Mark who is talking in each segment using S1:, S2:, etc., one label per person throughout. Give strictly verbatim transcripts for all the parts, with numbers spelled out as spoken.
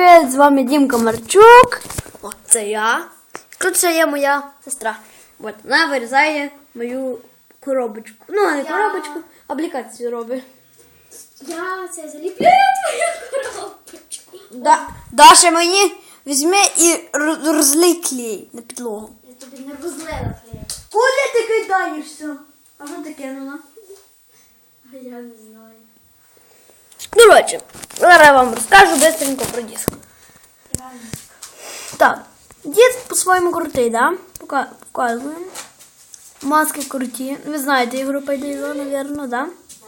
S1: Привіт, з вами Дімка Марчук. О, це я. Тут ще є моя сестра. От, вона вирізає мою коробочку. Ну, не
S2: Я...
S1: коробочку, аплікацію робить.
S2: Я це заліплюю твою коробочку.
S1: Да. Даша мені візьми і розлий клей на підлогу.
S2: Я тобі не розлила клей.
S1: Куди ти кидаєшся? А що ти кинула?
S2: А я не знаю.
S1: Коротше, зараз я вам розкажу бистренько про диск.
S2: Реально.
S1: Так, диск по-своєму крутий, да? Пока- Показуємо. Маски круті. Ви знаєте ігру Пайдейзо, напевно, да?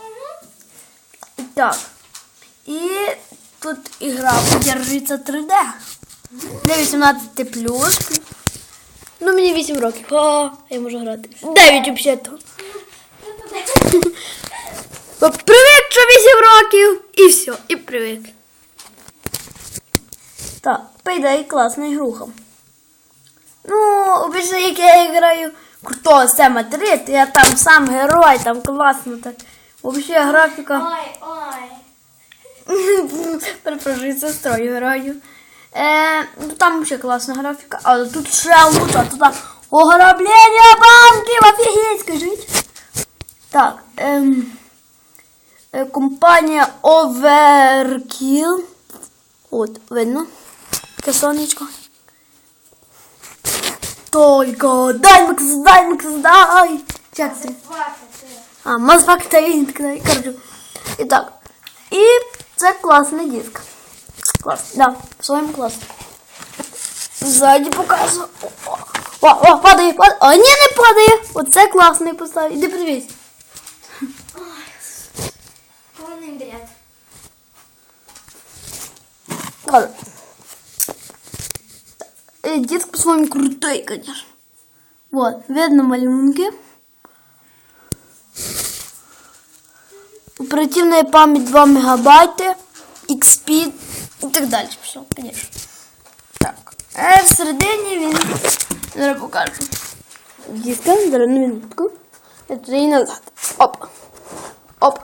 S1: Так. І тут ігра подержується три де. Для вісімнадцяти плюс. Ну, мені вісім років. О, я можу грати. дев'ять взагалі-то. Привик, що вісім років. І все, і привик. Так, Payday класна ігруха. Ну, обично, як я граю крутого Сема три, то я там сам герой, там класно так. Взагалі графіка.
S2: Ой, ой.
S1: Перепрошую, сестрою граю. Е, ну, там взагалі класна графіка. Але тут ще лучше, тут ограблення банків, офігеть, скажіть. Так, ем, е, компанія Overkill. От, видно. Таке сонечко. Только дай, Макс, дай, Макс, дай. Як це? А, мазфак та він такий, короче. І так. І це класний диск. Клас, да, в своєму класі. Ззаді показую. О, о, о, падає, падає. А, ні, не падає. Оце класний поставив. Іди подивись.
S2: Повний бред.
S1: Ладно. Э, Диск по-своему крутой, конечно. Вот, видно малюнки. Оперативная память два мегабайта, икс пи и так далі. Все, конечно. Так. А всередині він... Зараз покажу. Диска, зараз на минутку. Это и назад. Оп. Оп.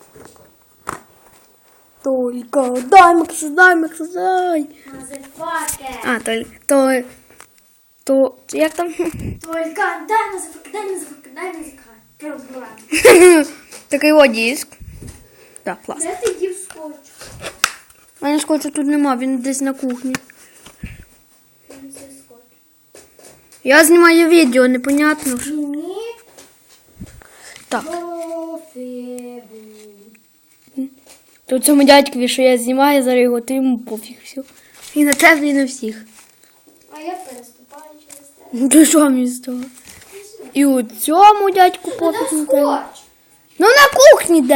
S1: Только дай, Макс, дай, Макс, дай.
S2: Мазефаке.
S1: А, то, то, то, як там?
S2: Только дай мазефаке, дай мазефаке, дай мазефаке.
S1: Такий от диск. Так, клас.
S2: Де ти дів скотч?
S1: У мене скотчу тут нема, він десь на кухні.
S2: Він це скотч.
S1: Я знімаю відео, непонятно.
S2: Мені
S1: Так,
S2: пофігу.
S1: то цьому дядькові, що я знімаю, зараз його, то йому пофіг все. І на тебе, і на всіх.
S2: А я переступаю через те.
S1: Ну то що мені з того? І у цьому дядьку
S2: Та
S1: пофіг.
S2: там
S1: на тебе.
S2: скотч.
S1: Ну на кухні де.